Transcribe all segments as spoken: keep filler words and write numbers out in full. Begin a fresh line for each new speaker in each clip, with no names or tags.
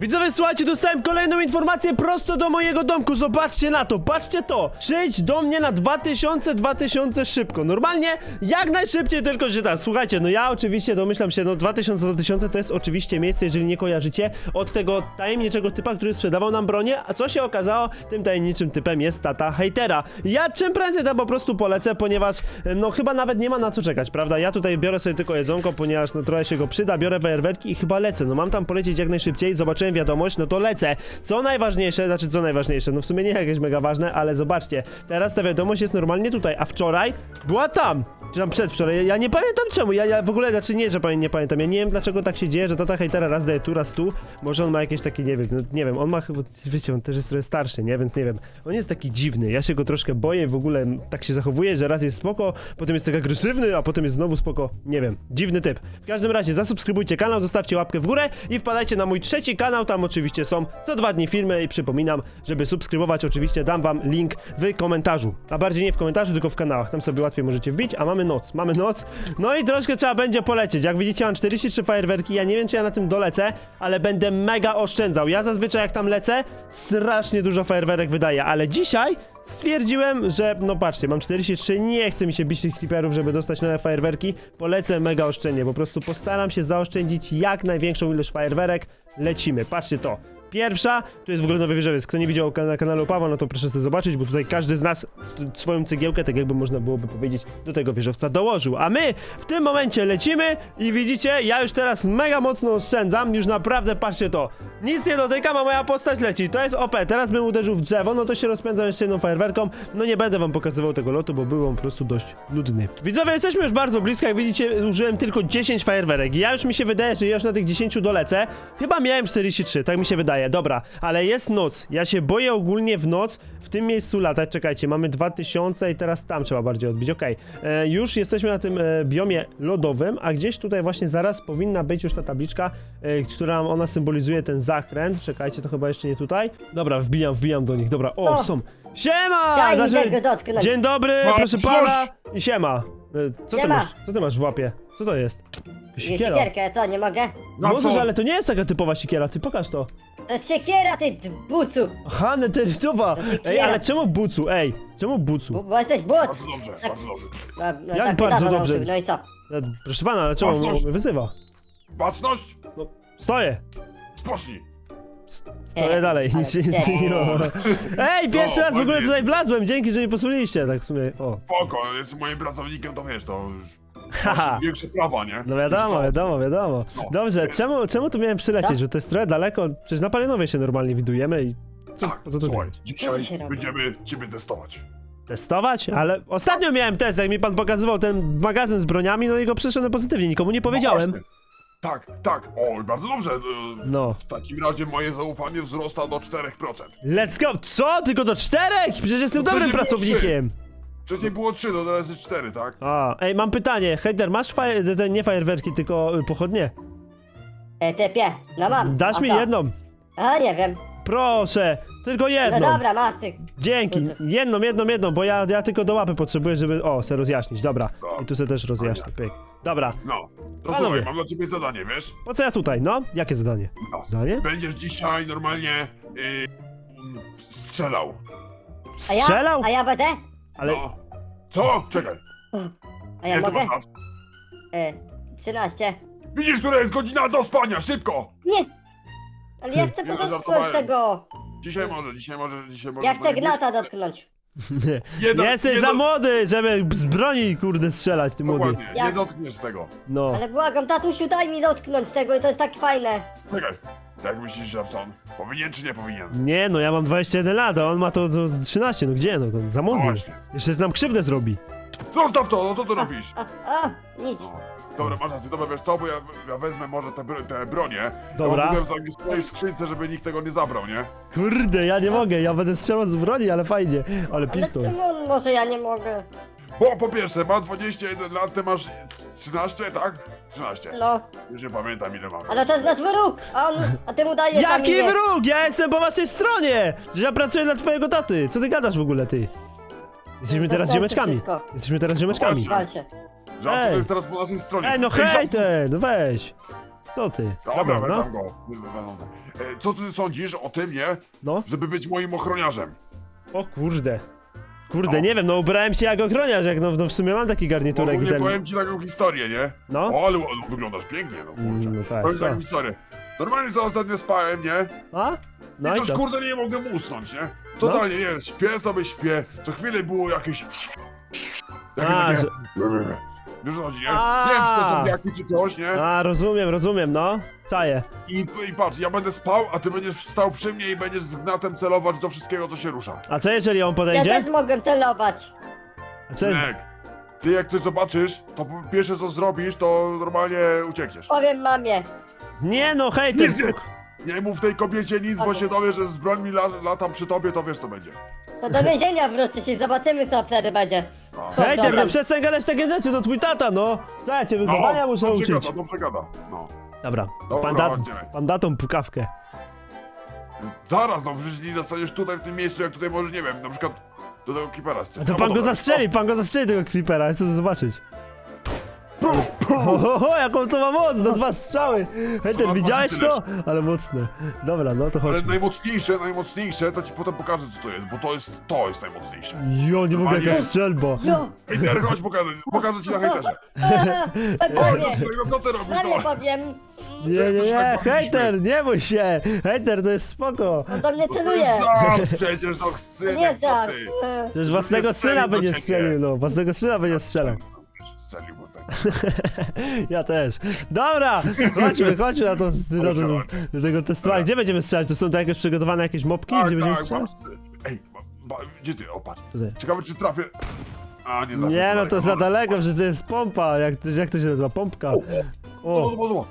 Widzowie, słuchajcie, dostałem kolejną informację prosto do mojego domku. Zobaczcie na to, patrzcie to. Przyjdź do mnie na dwa tysiące, dwa tysiące szybko. Normalnie, jak najszybciej tylko się da. Słuchajcie, no ja oczywiście domyślam się, no dwa tysiące, dwa tysiące to jest oczywiście miejsce, jeżeli nie kojarzycie, od tego tajemniczego typa, który sprzedawał nam bronię. A co się okazało? Tym tajemniczym typem jest tata hejtera. Ja czym prędzej tam po prostu polecę, ponieważ no chyba nawet nie ma na co czekać, prawda? Ja tutaj biorę sobie tylko jedzonko, ponieważ no trochę się go przyda, biorę fajerwerki i chyba lecę. No mam tam polecieć jak najszybciej, zobaczyłem wiadomość, no to lecę. Co najważniejsze, znaczy co najważniejsze, no w sumie nie jakieś mega ważne, ale zobaczcie, teraz ta wiadomość jest normalnie tutaj, a wczoraj była tam. Czy tam przedwczoraj, ja, ja nie pamiętam czemu, ja, ja w ogóle, znaczy nie, że pamię, nie pamiętam, ja nie wiem dlaczego tak się dzieje, że tata hejtera raz daje tu, raz tu, może on ma jakieś takie, nie wiem, no nie wiem, on ma chyba, wiecie, on też jest trochę starszy, nie, więc nie wiem, on jest taki dziwny, ja się go troszkę boję, w ogóle tak się zachowuje, że raz jest spoko, potem jest tak agresywny, a potem jest znowu spoko, nie wiem, dziwny typ. W każdym razie zasubskrybujcie kanał, zostawcie łapkę w górę i wpadajcie na mój trzeci kanał, tam oczywiście są co dwa dni filmy i przypominam, żeby subskrybować oczywiście dam wam link w komentarzu, a bardziej nie w komentarzu, tylko w kanałach, tam sobie łatwiej możecie wbić, a mamy noc, mamy noc, no i troszkę trzeba będzie polecieć, jak widzicie mam czterdzieści trzy fajerwerki, ja nie wiem czy ja na tym dolecę, ale będę mega oszczędzał, ja zazwyczaj jak tam lecę, strasznie dużo fajerwerek wydaję, ale dzisiaj stwierdziłem, że no patrzcie, mam czterdzieści trzy, nie chce mi się bić tych creeperów, żeby dostać nowe fajerwerki, polecę mega oszczędnie, po prostu postaram się zaoszczędzić jak największą ilość fajerwerek, lecimy, patrzcie to. Pierwsza, tu jest w ogóle nowy wieżowiec. Kto nie widział na kanale Pawła, no to proszę sobie zobaczyć, bo tutaj każdy z nas swoją cegiełkę, tak jakby można byłoby powiedzieć, do tego wieżowca dołożył. A my w tym momencie lecimy i widzicie, ja już teraz mega mocno oszczędzam, już naprawdę patrzcie to. Nic nie dotykam, a moja postać leci. To jest O P. Teraz bym uderzył w drzewo, no to się rozpędzam jeszcze jedną fajerwerką. No nie będę wam pokazywał tego lotu, bo był on po prostu dość nudny. Widzowie, jesteśmy już bardzo blisko, jak widzicie, użyłem tylko dziesięć fajerwerek. Ja już mi się wydaje, że ja już na tych dziesięciu dolecę. Chyba miałem czterdzieści trzy, tak mi się wydaje. Dobra, ale jest noc. Ja się boję ogólnie w noc w tym miejscu latać. Czekajcie, mamy dwa tysiące i teraz tam trzeba bardziej odbić. Okej, okay. Już jesteśmy na tym e, biomie lodowym, a gdzieś tutaj właśnie zaraz powinna być już ta tabliczka, e, która ona symbolizuje ten zakręt. Czekajcie, to chyba jeszcze nie tutaj. Dobra, wbijam, wbijam do nich. Dobra, o, o. są. Siema!
Daj mi
Znaczy,
tego dotknąć.
dzień dobry,
Ma,
proszę pana i siema. E, Co ty
Siema.
masz? Co ty masz w łapie? Co to jest?
Jest
Sikiera.
siekierkę, co, nie mogę?
No
Możesz,
co?
ale to nie jest taka typowa sikiera, ty pokaż to.
To jest siekiera, ty bucu!
Aha, neterytowa!
To się
Ej,
kiera.
ale czemu bucu? Ej, czemu bucu?
Bo, bo jesteś but!
Bardzo dobrze, bardzo dobrze.
No, no,
Jak
tak
bardzo
niedawno
dobrze?
nauczył, no i co?
E, Proszę pana, ale czemu on
Własność.
mnie wyzywa?
Baczność,
No, stoję!
spocznij.
Stoję
E,
dalej,
ale
nic się nie
ty.
zmieniło. Ej, pierwszy
No,
raz w ogóle
ładnie.
tutaj wlazłem, dzięki, że nie posłuchaliście, tak w sumie, o.
Foko, jest moim pracownikiem, to wiesz, to już
Haha.
masz większe prawa, nie?
No wiadomo,
Niż to.
wiadomo, wiadomo.
No,
Dobrze,
wiesz.
czemu, czemu tu miałem przylecieć,
Co?
że to jest trochę daleko? Przecież na Palenowie się normalnie widujemy i... Co,
Tak,
po co tu
słuchaj,
biegać?
Co
dzisiaj
tu się robi?
będziemy ciebie testować.
Testować? Ale ostatnio miałem test, jak mi pan pokazywał ten magazyn z broniami, no i go przeszedłem pozytywnie, nikomu nie powiedziałem.
No właśnie. Tak, tak, o, bardzo dobrze. e,
No.
W takim razie moje zaufanie wzrasta do czterech procent.
Let's go! Co? Tylko do czterech? Przecież jestem
No
dobrym
przecież było
pracownikiem!
Wcześniej było trzy, to teraz jest cztery, tak?
A, ej, mam pytanie, hejter, masz fajer, te, nie fajerwerki, tylko y, pochodnie?
E, typie, no mam.
Dasz
A
mi
co?
jedną?
A, nie wiem.
Proszę, tylko
No
jedną.
dobra, masz ty.
Dzięki,
Po co?
jedną, jedną, jedną, bo ja, ja tylko do łapy potrzebuję, żeby, o, se rozjaśnić, dobra.
Dobra.
I tu se też rozjaśnię, pyk. Dobra,
No, to
Panowie.
słuchaj, mam dla ciebie zadanie, wiesz?
po co ja tutaj, no? Jakie zadanie?
No.
Zadanie?
Będziesz dzisiaj normalnie yy, mm, strzelał.
A ja?
Strzelał?
A ja będę?
Ale,
No. Co? Czekaj.
A ja
Ile ty
mogę?
masz lat?
E, trzynaście.
Widzisz, która jest godzina do spania, szybko!
Nie! Ale ja chcę
Ja
dotknąć
żartowałem.
tego!
Dzisiaj może, dzisiaj może, dzisiaj może.
Ja chcę gnata dotknąć.
nie.
Jeden-
Jesteś
nie
za
do-
młody, żeby z broni, kurde, strzelać, ty młody.
Dokładnie,
Ja-
nie dotkniesz tego.
No.
Ale błagam, tatusiu, daj mi dotknąć tego, to jest tak fajne.
Czekaj. Jak myślisz, Żabson? Powinien czy nie powinien?
Nie, no ja mam dwadzieścia jeden lat, a on ma to, to trzynaście, no gdzie, no to za
No
młody.
właśnie.
Jeszcze nam krzywdę zrobi.
Zostaw to, no co tu robisz?
A, a, nic.
No. Dobra, masz rację, dobra, wiesz co, bo ja, ja wezmę może te, bro- te bronie.
Dobra.
Ja mam w ogóle w swojej skrzynce, żeby nikt tego nie zabrał, nie?
Kurde, ja nie mogę, ja będę strzelał z broni, ale fajnie. Ale
Ale
pistolet.
czemu może ja nie mogę?
Bo po pierwsze, ma dwadzieścia jeden lat, ty masz trzynaście, tak? trzynaście.
No,
Już nie pamiętam ile mam.
ale to jest nasz wróg, a on, a ty mu dajesz, a mi
Jaki
nie.
wróg? Ja jestem po waszej stronie! Że ja pracuję dla twojego taty. Co ty gadasz w ogóle, ty? Jesteśmy
To
teraz
jest
ziomeczkami.
wszystko.
Jesteśmy teraz ziomeczkami.
właśnie.
Wal się.
Żabson
Ej.
jest teraz po naszej stronie.
Ej, no
Żabson-
hejter, no weź. Co ty?
Dobra,
no.
wezmę go. Wezmę go. co ty sądzisz o tym, nie?
No.
Żeby być moim ochroniarzem.
O kurde. Kurde,
No.
nie wiem, no ubrałem się jak ochroniarz, jak no, no w sumie mam taki garniturek i
Ogólnie
ten...
powiem ci taką historię, nie?
No.
O, ale o, wyglądasz pięknie, no kurczę.
Mm, no tak,
Powiem
tak.
taką historię. Normalnie za ostatnio spałem, nie?
A? No
I
i
też
to.
kurde nie mogę usnąć, nie? Totalnie, nie, śpię sobie, śpię. Co chwilę było jakieś... Takie,
A,
takie...
że-
Wiesz o co chodzi, nie?
A.
Nie wiem, czy to są jaki czy coś, nie?
A, rozumiem, rozumiem, no. Czaję.
I, I patrz, ja będę spał, a ty będziesz stał przy mnie i będziesz z gnatem celować do wszystkiego, co się rusza.
A co jeżeli on
Ja
podejdzie?
też mogę celować.
A co jest...
Synek, ty jak coś zobaczysz, to po- pierwsze co zrobisz, to normalnie uciekniesz.
Powiem mamie.
Nie no, hej, ty...
Nic nie, nie mów tej kobiecie nic, bo się dowie, że z brońmi la, latam przy tobie, to wiesz co będzie.
To do więzienia wrócisz i zobaczymy co wtedy będzie.
No.
Hej, ty, no
Dobra.
przestań gadać takie rzeczy, to twój tata, no. Co ja cię wychowania muszę
dobrze
uczyć.
gada, dobrze gada. No.
Dobra,
Dobra,
panda,
chodźmy.
pandatą pukawkę.
Zaraz, no przecież nie dostaniesz tutaj w tym miejscu, jak tutaj możesz, nie wiem, na przykład do tego kipera
A
strzelić.
to
No,
pan
bo
go
dobra.
zastrzeli, pan go zastrzeli tego creepera, ja chcę to zobaczyć.
Pu, pu.
Ho, ho, ho, jaką to ma moc, na dwa strzały. Hej, ten,
ma
widziałeś
tyle.
to? Ale mocne. Dobra, no to
Ale
chodźmy.
najmocniejsze, najmocniejsze, to ci potem pokażę co to jest, bo to jest, to jest najmocniejsze.
Jo, nie mogę,
Normalnie-
jaka strzelba.
Jo!
Hejter, chodź pokażę, pokażę ci na hejterze.
Tak
Chodź,
powiem.
no co ty robisz,
Mamie
no?
powiem.
Nie, nie,
jesteś
nie,
tak
hejter, nie bój się. Hejter, to jest spoko.
On do mnie
To
celuje.
jest żart przecież, no
To
synek,
nie jest
co
żart.
ty?
Przecież własnego
nie strzelił
syna
do
będzie
ciebie.
strzelił, no. Własnego syna będzie strzelał.
Strzelił, bo tak.
Ja też. Dobra, chodźmy, chodźmy na to, na to, do tego testowania. Gdzie będziemy strzelać? To są to jakieś przygotowane jakieś mopki?
Tak,
Gdzie będziemy
tak,
strzelać?
masz- Ej, ba, ba, gdzie ty? O, patrz.
Tutaj.
Ciekawe, czy trafię. A, nie trafię.
Nie, no to
sorry.
za daleko, że to jest pompa. Jak, jak to się nazywa? Pompka.
O,
O.
zobacz, zobacz.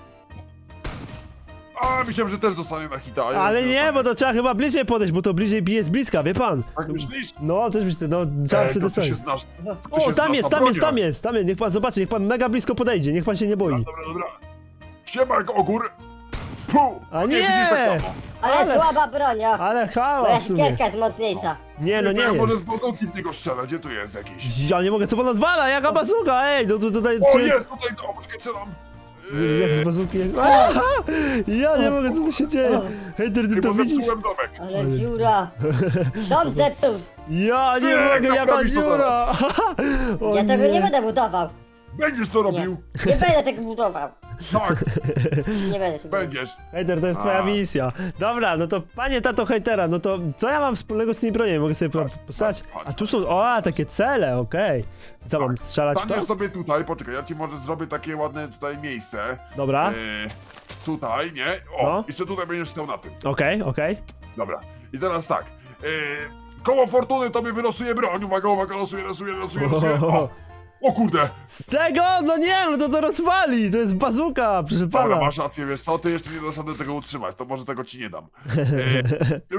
A, myślałem, że też dostanie na hita. a ja
Ale nie,
dostanę.
bo to trzeba chyba bliżej podejść, bo to bliżej bije z bliska, wie pan?
Tak myślisz?
No, też myślę, no, trzeba
Ej, to ty
przetestować.
się znasz. ty
O,
się
tam
znasz
jest,
na
tam jest,
broniach.
tam jest, tam jest, niech pan zobaczy, niech pan mega blisko podejdzie, niech pan się nie boi.
Dobra, dobra. Siema, jak ogór. Puh.
A nie!
widzisz tak samo.
Ale,
Ale-
słaba bronia.
Ale
Moja
hała w sumie.
siekierka jest mocniejsza.
Nie, no
to
nie
ja
jest.
może z bazuki w niego strzelę, gdzie tu jest jakiś?
Ja nie mogę, co pan odwala, jaka bazuka, ej, no tu tutaj...
O,
czy-
jest, tutaj, o, poczekaj, strzelam.
Jak z
Eee,
bazuki... Aha! Ja nie mogę, co tu się dzieje? Hejter, ty to
Chyba
widzisz?
zepsułem domek.
Ale dziura. Dom zepsuł.
Ja nie
Synek,
mogę, jaka
naprawisz to
dziura! O
Ja tego nie będę budował.
Będziesz to robił.
Nie będę tego budował.
Tak,
Nie będę tego budował.
będziesz.
Hejter, to jest twoja
A.
misja. Dobra, no to panie tato hejtera, no to co ja mam wspólnego z tymi broniami? Mogę sobie po- postać?
chodź,
A tu są, o, a, takie cele, okej. Co, mam strzelać w to?
Staniesz sobie tutaj, poczekaj, ja ci może zrobię takie ładne tutaj miejsce.
Dobra,
E, tutaj, nie? O,
No.
jeszcze tutaj będziesz stał na tym.
okej, okej.
Dobra. I teraz tak. E, koło fortuny tobie wylosuje broń. Uwaga, uwaga, losuje, losuje, losuje, losuje. O, o kurde.
Z tego? No nie, no to to rozwali, to jest bazuka, proszę
Dobra,
pana.
masz rację, wiesz co, ty jeszcze nie dasz rady tego utrzymać, to może tego ci nie dam. E,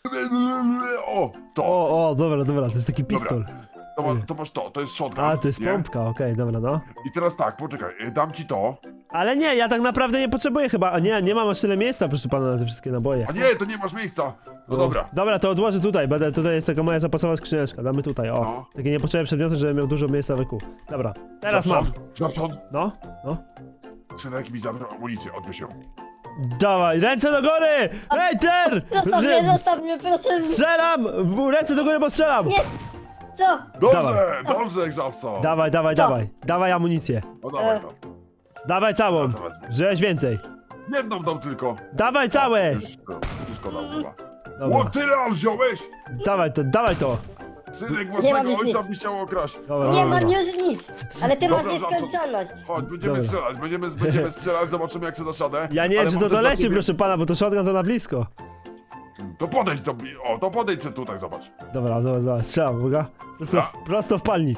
o, to.
O, o, dobra, dobra, to jest taki pistol.
To, ma, to masz to, to jest shotgun.
A, to jest
nie?
pompka, okej, dobra, no.
I teraz tak, poczekaj, e, dam ci to.
Ale nie, ja tak naprawdę nie potrzebuję chyba, a nie, nie mam aż tyle miejsca, proszę pana, na te wszystkie naboje.
A nie, to nie masz miejsca. No dobra.
Dobra, to odłożę tutaj, będę, tutaj jest taka moja zapasowa skrzyneczka, damy tutaj, o.
No.
Takie niepotrzebne przedmioty, żebym miał dużo miejsca w eku. Dobra, teraz mam.
Żabson,
No, no.
synek mi zabrał amunicję, odwieź ją.
Dawaj, ręce do góry! Hejter!
Zostaw mnie, zostaw mnie, proszę.
Strzelam! W- Ręce do góry, bo strzelam!
Nie. Co?
Dobrze, dobrze, Żabson.
Dawaj, dawaj,
Co?
dawaj. Dawaj amunicję.
O, dawaj
E.
to.
Dawaj całą.
Ja to wezmę.
Żeś więcej.
Jedną dam tylko.
Dawaj całe!
Już, już szkoda chyba.
Dobra.
O, tyle aż wziąłeś?
Dawaj to, dawaj to.
Synek
mam
własnego
już
ojca
nic.
by chciał okraść.
Dobra,
Nie
dobra.
mam już nic. Ale ty
Dobra,
masz nieskończoność.
Chodź, będziemy
Dobra.
strzelać, będziemy, będziemy strzelać, zobaczymy jak sobie dasz radę.
Ja nie wiem,
Ale
czy
mam
to
też dla
doleci,
ciebie-
proszę pana, bo to shotgun to na blisko.
To podejdź do... O, to podejdź sobie tutaj, zobacz.
Dobra, dobra, dobra, strzelam, uwaga. Prosto, w,
Dobra.
prosto w palnik.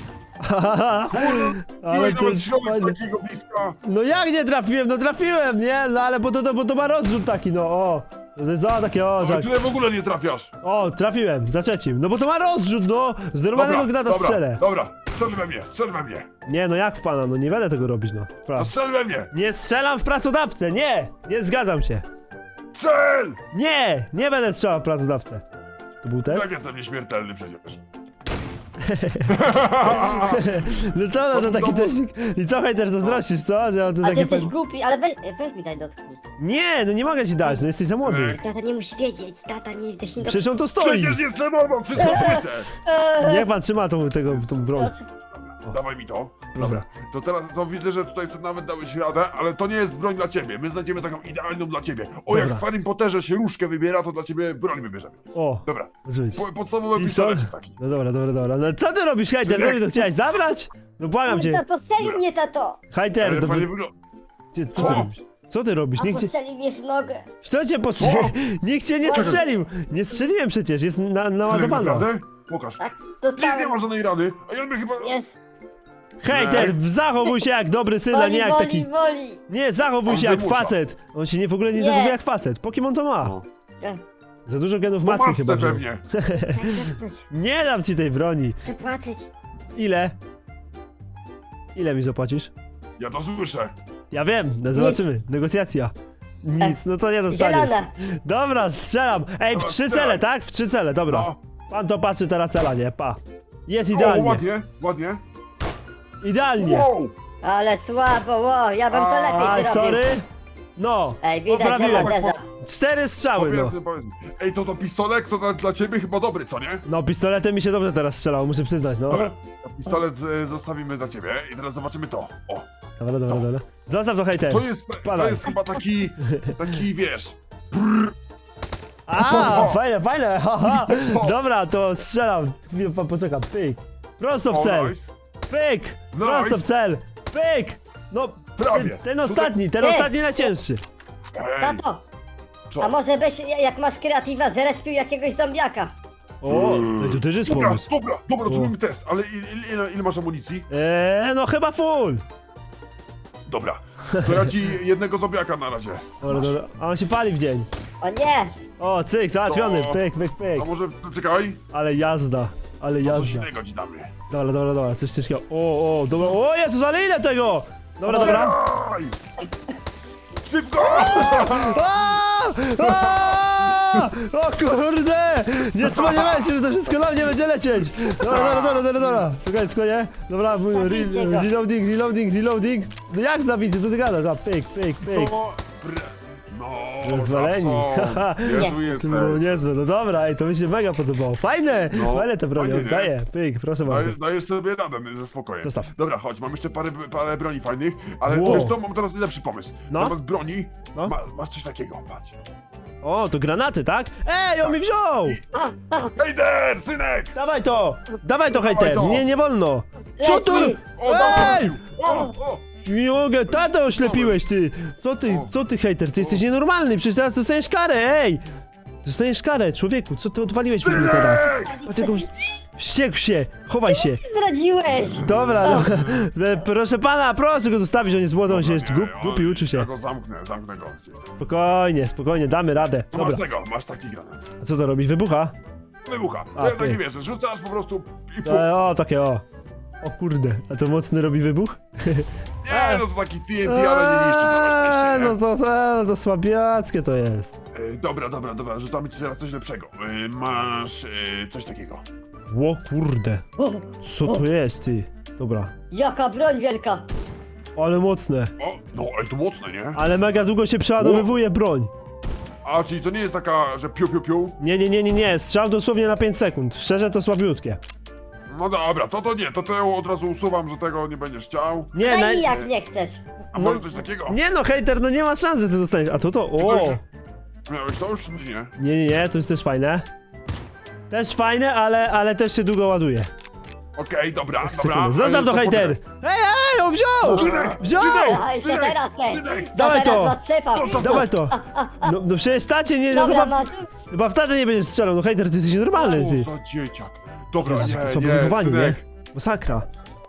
Ale
Miłeś
to
nawet
jest
środek z
fajne.
takiego bliska.
No jak nie trafiłem? No trafiłem, nie? No ale bo to, to, bo to ma rozrzut taki, no o. To jest za takie, o,
Ale
tak.
tyle w ogóle nie trafiasz.
O, trafiłem, za trzecim. No bo to ma rozrzut, no. Z normalnego gnata
dobra,
strzelę.
dobra, strzel we mnie, strzel we mnie.
Nie, no jak w pana, no nie będę tego robić, no.
No
Pra.
strzel we mnie.
Nie strzelam w pracodawcę, nie! Nie zgadzam się.
Strzel!
Nie! Nie będę strzelał w pracodawcę. To był test?
Jak jestem nieśmiertelny przecież.
No co, no to taki
No bo-
teścik. I co, hejter, zazdrościsz, co? Że on to
A ty
takie...
jesteś
pe-
głupi, ale weź, weź mi daj dotknij.
Nie, no nie mogę ci dać, no jesteś za młody.
Tata nie musi wiedzieć, tata nie dość
Przecież on tu stoi.
Przecież jestem obok, wszystko słyszę!
Niech pan trzyma tą, tego, tą broń.
Dawaj mi to.
Dobra.
To teraz to widzę, że tutaj sobie nawet dałeś radę, ale to nie jest broń dla ciebie. My znajdziemy taką idealną dla ciebie. O,
Dobra.
jak w Harry Potterze się różkę wybiera, to dla ciebie broń wybierzemy.
O,
Dobra.
może być.
Po- Podstawowy
Pistol?
pistolecik taki.
No dobra, dobra, dobra. No co ty robisz, hejter? Co mi to chciałeś zabrać? No błagam cię.
Tato, postrzelił mnie, tato!
Hejter,
Ale
no,
fajnie wygląda.
Gdzie- co ty
Co?
robisz? Co ty robisz?
A
Nikt cię,
postrzelił mnie w nogę.
kto cię postrzelił? Nikt cię nie strzelił! Nie strzeliłem przecież, jest na, naładowana.
Naprawdę? Pokaż.
Tak,
Nic nie
dostałem.
ma żadnej rany, a ja mnie chyba...
Jest.
Hejter, zachowuj się jak dobry syn, a
Woli,
nie jak
woli,
taki...
woli.
Nie, zachowuj
On
się jak
wymusza.
facet. On się nie w ogóle nie
Nie.
zachowuje jak facet. Pokemon to ma.
No.
E,
Za dużo genów
Po
matki
matce
chyba wziął.
pewnie.
Tak dotknąć.
Nie dam ci tej broni.
Chcę płacić.
Ile? Ile mi zapłacisz?
Ja to słyszę.
Ja wiem, no zobaczymy. Negocjacja. Nic, no to nie dostaniesz.
Zielone.
Dobra, strzelam. Ej, w
Dobra,
trzy
strzelaj.
cele, tak? W trzy cele, dobra.
No.
Pan to patrzy teraz cela, nie? Pa. Jest
O,
idealnie.
ładnie, ładnie.
Idealnie.
Wow!
Ale słabo, ło, ja bym to
A,
lepiej
Aj,
zrobił.
sorry. No.
Ej, widać, że
Poprawiłem.
ma deza.
Cztery strzały, no.
Powiedzmy, powiedzmy. Ej, to to pistolet, to dla, dla ciebie chyba dobry, co nie?
No, pistoletem mi się dobrze teraz strzelało, muszę przyznać, no.
Dobra, pistolet e, zostawimy dla ciebie i teraz zobaczymy to. O,
Dobra, dobra, dobra. Zostaw to hejter.
to jest, to
Spadaj.
jest chyba taki, taki wiesz...
A, fajne, fajne, haha. Dobra, to strzelam. Chwilę, pan poczeka, pyk. Prosto w
O,
cel.
nice.
Pyk. Prosto w cel. Pyk. No,
Prawie.
ten, ten
Tutaj-
ostatni, ten
Ej.
ostatni najcięższy.
Ej,
Tato,
co?
a może byś, jak masz kreatywa, zrespił jakiegoś zombiaka?
O,
Mm.
no to też jest
Dobra,
pomysł.
dobra, dobra,
O.
zrobimy test, ale ile, ile, ile masz amunicji?
Eee, no chyba full.
Dobra, to ja ci jednego zombiaka na razie.
Dobra, dobra. A on się pali w dzień.
O nie!
O, cyk, załatwiony,
To-
pyk, pyk, pyk.
A może, czekaj,
Ale jazda, ale
coś
jazda.
innego ci damy.
Dobra, dobra, dobra, coś ciężkiego. O, o, dobra, o Jezus, ale ile tego? Dobra, dobra.
Strzelaj! Szybko!
A! A! O kurde! Nie spodziewałem się, że to wszystko na mnie będzie lecieć! Dobra, dobra, dobra, dobra, dobra. Czekaj, spokojnie. Dobra, mój re,
Zabijcie go.
reloading, reloading, reloading. No jak zabić? Co ty gadasz? A, pyk, pyk, pyk.
Co? Br- No,
Rozwaleni. Haha.
Jezu
To
jesteś.
było niezłe, no dobra, ej, to mi się mega podobało. Fajne!
No,
Fajne te broni,
fajnie, nie?
oddaję. Pyk, proszę bardzo.
Dajesz, dajesz sobie radę ze spokojem.
Zostaw.
Dobra, chodź, mam jeszcze parę, parę broni fajnych, ale
Wow.
wiesz to, mam teraz lepszy pomysł.
No.
Zamiast broni,
No.
ma, masz coś takiego, patrz.
O, to granaty, tak? Ej, on mi wziął!
Hejder, synek!
Dawaj to! Dawaj to, hejter!
to.
Nie, nie wolno! Co tu?
Leci.
O, dawaj,
Ej!
wrócił. O, o!
Nie mogę, tato oślepiłeś ty! Co ty,
O.
co ty hejter? Ty jesteś nienormalny, przecież teraz dostaniesz karę, ej! Dostaniesz karę, człowieku, co ty odwaliłeś mi teraz?
Synek!
Patrz jak on wściekł się, chowaj się.
Zdradziłeś!
Dobra, no, e, proszę pana, proszę go zostawić, on jest młody, on się jeszcze
Nie,
głup,
on-
głupi, uczy
Ja
się.
go zamknę, zamknę go. gdzieś tam.
Spokojnie, spokojnie, damy radę.
To masz
Dobra,
tego, masz taki granat.
a co to robić, wybucha?
Wybucha.
A,
To ja
ty.
tak nie wiesz, rzucasz po prostu i puf.
E, o, takie o. O kurde, a to mocny robi wybuch?
Nie, no to taki T N T, ale nie niszczy
Eee,
to
no to, to, to słabiackie to jest.
e, Dobra, dobra, dobra, rzucamy ci teraz coś lepszego. E, masz e, coś takiego.
O kurde,
O,
co to jest ty? Dobra,
jaka broń wielka!
ale mocne.
O, no, ale to mocne, nie?
Ale mega długo się przeładowywuje broń.
A, czyli to nie jest taka, że piu, piu, piu?
Nie, nie, nie, nie, nie, strzał dosłownie na pięć sekund. Szczerze to słabiutkie.
No dobra, to to nie, to to ja od razu usuwam, że tego nie będziesz chciał.
Nie,
Daj
na...
mi jak nie chcesz!
A
No-
może coś takiego?
nie no, hejter, no nie ma szansy ty dostaniesz. A to to,
Czy to
o!
już... Miałeś to już, czy nie?
Nie, nie, nie, to jest też fajne. Też fajne, ale, ale też się długo ładuje.
Okej, dobra, dobra.
Sekundę. Zostaw to,
ale
hejter!
poczekaj.
Ej, ej, on wziął!
Synek,
Wziął!
synek,
A jeszcze
synek,
teraz ty!
synek.
To
Dawaj
teraz
to.
was przepał!
Zostaw
Dawaj to! No, no przecież tacie nie, no
Dobra,
chyba,
masz...
chyba w tatę nie będziesz strzelał, no hejter, ty jesteś normalny, ty.
Co za dzieciak. Dobra,
Jezus,
nie,
słabo
nie,
wychowani, nie?
synek.
Masakra.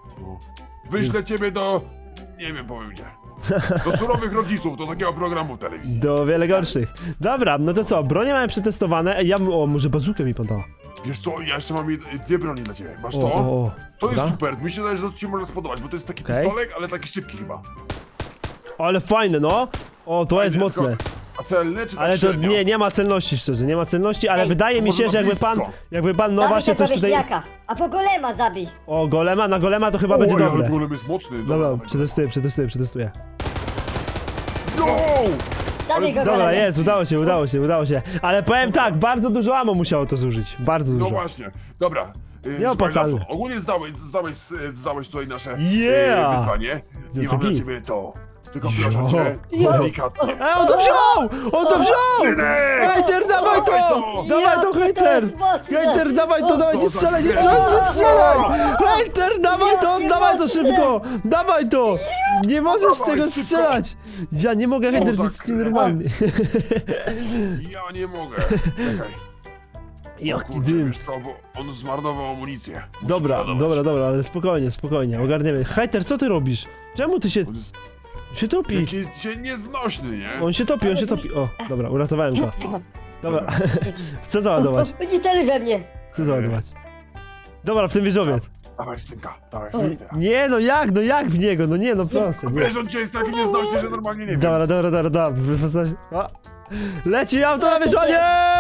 Wyślę ciebie do... Nie wiem, powiem gdzie. Do surowych rodziców, do takiego programu w telewizji.
Do wiele gorszych. Dobra, no to co, bronie mamy przetestowane. Ej, ja bym, o, może bazukę mi podała.
Wiesz co, ja jeszcze mam jed- dwie broni dla ciebie. Masz
O,
to?
o, o.
To jest
Dobra.
super, mi się wydaje, że to ci może spodobać, bo to jest taki
Okej.
pistolek, ale taki szybki chyba.
Ale fajne, no. O, to jest
Fajnie,
mocne.
tylko- A celny czy tak
Ale to
średnio?
nie, nie ma celności, szczerze, nie ma celności, ale
Ej,
wydaje mi
może
się,
na
że jakby
blisko.
pan, jakby pan no
Zabij
właśnie
tego
coś tutaj...
wieśniaka, a po golema zabij!
O, golema, na golema to chyba
O,
będzie
ale
dobre.
golem jest mocny.
Dobra,
dawaj.
przetestuję, przetestuję, przetestuję.
No!
Zabij go,
Dobra,
kolegę.
jest, udało się, udało się, udało się. Ale powiem tak, bardzo dużo amo musiało to zużyć. Bardzo
No
dużo.
właśnie, dobra. Yy,
Nieopłacalne.
słuchaj, Lasu, ogólnie zdałeś, zdałeś, zdałeś tutaj nasze
Yeah!
yy, wyzwanie
No
i
to
mam dla
git.
ciebie to. Tylko proszę cię,
Jo.
delikatnie.
Ej, on to wziął! On to wziął!
Synek!
Hejter, dawaj to!
to!
Dawaj to,
Ja, to
hejter!
jest mocne!
Hejter, dawaj to, dawaj, nie
To za
strzelaj, nie
chwilę.
strzelaj, nie strzelaj! Hejter, dawaj to,
Jakie
dawaj to
mocne!
szybko! Dawaj to! Nie możesz
Dawaj,
tego
szybko.
strzelać! Ja nie mogę, hejter,
za
to jest
kre-
nienormalny.
Ja nie mogę. Czekaj. O
Jaki
kurczę,
dym.
wiesz co, bo on zmarnował amunicję. Muszę
Dobra,
przeładować.
dobra, dobra, ale spokojnie, spokojnie, ogarniemy. Hejter, co ty robisz? Czemu ty się,
On jest
się topi?
jakiś dzisiaj nieznośny, nie?
On się topi, on się topi. O, dobra, uratowałem go. Dobra, chcę załadować,
Nie celuj we mnie!
chcę załadować. Dobra, w tym wieżowiec.
Dawaj synka, dawaj synka.
Nie, no jak, no jak w niego, no nie, no proszę, nie.
Wiesz, on dzisiaj jest taki nieznośny, że normalnie nie wiem.
Dobra, dobra, dobra, dobra. Postaci- o. Leci auto na wieżowie!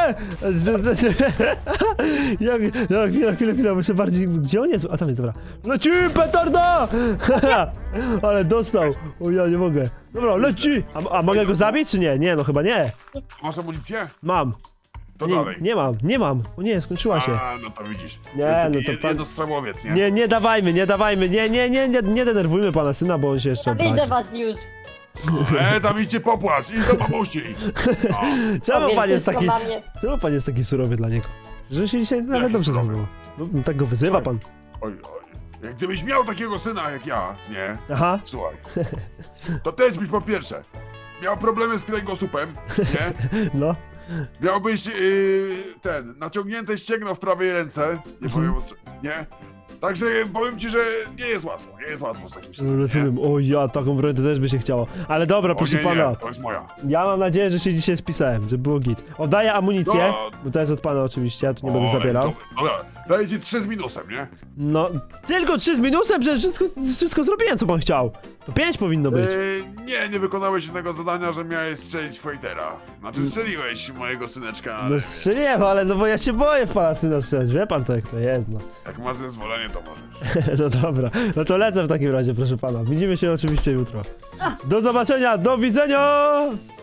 Jak, jak, chwila, chwila, chwila, muszę bardziej... Gdzie on jest? A tam jest, dobra. Leci, petarda! Ale dostał. O, ja nie mogę. Dobra, leci! A, a mogę go zabić, czy nie? Nie, no chyba nie.
Masz amunicję?
Mam.
To
Nie,
dalej.
nie mam, nie mam. O nie, skończyła się.
A, no to widzisz.
Nie,
jest taki
no to
jed-
pan-
jednostrzałowiec, nie?
Nie, nie dawajmy, nie dawajmy. Nie, nie, nie, nie, nie denerwujmy pana syna, bo on się jeszcze
Widzę
obrazi.
was już!
E, tam idźcie popłacz, idź do mamusi. No.
Czemu
Powiem
pan jest
wszystko
taki...
mamie.
Czemu pan jest taki surowy dla niego? Że się dzisiaj nawet
Jaki
dobrze
surowy?
zachował. No, tak go wyzywa pan.
Oj, oj. Jak gdybyś miał takiego syna jak ja, nie?
Aha.
Słuchaj. To też byś po pierwsze miał problemy z kręgosłupem, nie?
No.
Miałbyś yy, ten, naciągnięte ścięgno w prawej ręce, nie powiem o co, nie? Także powiem ci, że nie jest łatwo, nie jest łatwo z takim synem, nie?
Rozumiem. O ja, taką broń to też by się chciało. Ale dobra,
O,
proszę
nie,
pana.
nie, to jest moja.
Ja mam nadzieję, że się dzisiaj spisałem, żeby było git. Oddaję amunicję,
No.
bo to jest od pana oczywiście, ja tu nie
O,
będę
ale
zabierał.
to- Dobra, daję ci trzy z minusem, nie?
No, tylko trzy z minusem, że wszystko, wszystko zrobiłem, co pan chciał. To pięć powinno być.
Yy, nie, nie wykonałeś jednego zadania, że miałeś strzelić Fightera. Znaczy strzeliłeś mojego syneczka, ale
No strzeliłem, ale no bo ja się boję w pana syna strzelać, wie pan to jak to jest, no.
jak masz zezwolenie, to możesz.
No dobra, no to lecę w takim razie, proszę pana. Widzimy się oczywiście jutro. Do zobaczenia, do widzenia!